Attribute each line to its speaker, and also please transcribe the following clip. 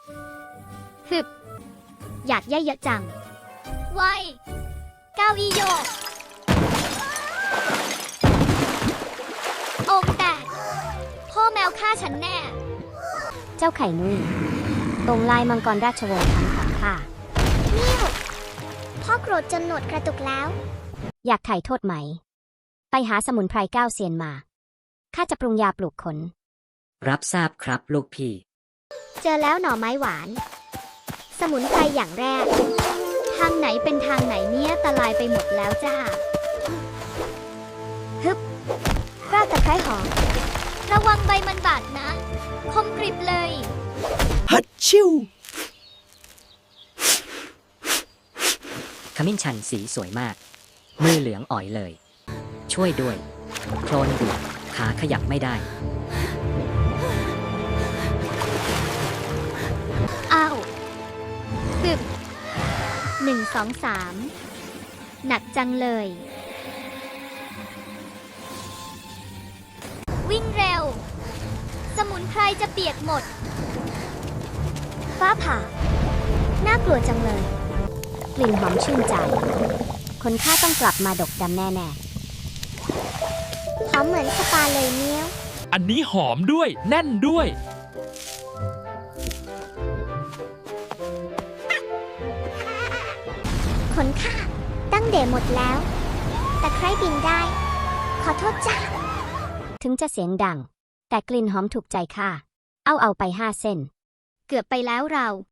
Speaker 1: ฮึบอยากย่อยเยอะจังไวเก้าอี้โยกองค์แตกพ่อแมวฆ่าฉันแน่
Speaker 2: เจ้าไข่นุ่ยตรงลายมังกรราชวงศ์ทั้งของข้า
Speaker 1: นิ่วพ่อโกรธจนหนวดกระตุกแล้ว
Speaker 2: อยากไถ่โทษไหม ไปหาสมุนไพร9 เซียนมา ข้าจะปรุงยาปลูกขน
Speaker 3: รับทราบครับลูกพี่
Speaker 1: เจอแล้วหน่อไม้หวาน สมุนไพรอย่างแรก ทางไหนเป็นทางไหนเนี่ยตะลายไปหมดแล้วจ้าฮึบรากตะไคร้หอม ระวังใบมันบาดนะ คมกริบเลย
Speaker 4: ฮัดชิว
Speaker 3: ขมิ้นชันสีสวยมาก มือเหลืองอ๋อยเลย ช่วยด้วย โคลนดูดขาขยับไม่ได้
Speaker 1: อ้าวฮึบ1 2 3 หนักจังเลย วิ่งเร็ว สมุนไพรจะเปียกหมด ฟ้าผ่า น่ากลัวจังเลย
Speaker 2: กลิ่นหอมชื่นใจ คนข้าต้องกลับมาดกดำแน่
Speaker 1: หอมเหมือนสปาเลยเนี่ย
Speaker 5: อันนี้หอมด้วยแน่นด้วย
Speaker 1: ขนข้าตั้งเดหมดแล้ว แต่ใครบินได้ ขอโทษจ้า
Speaker 2: ๆ ถึงจะเสียงดัง แต่กลิ่นหอมถูกใจข้า เอาไป5 เส้น
Speaker 1: เกือบไปแล้วเรา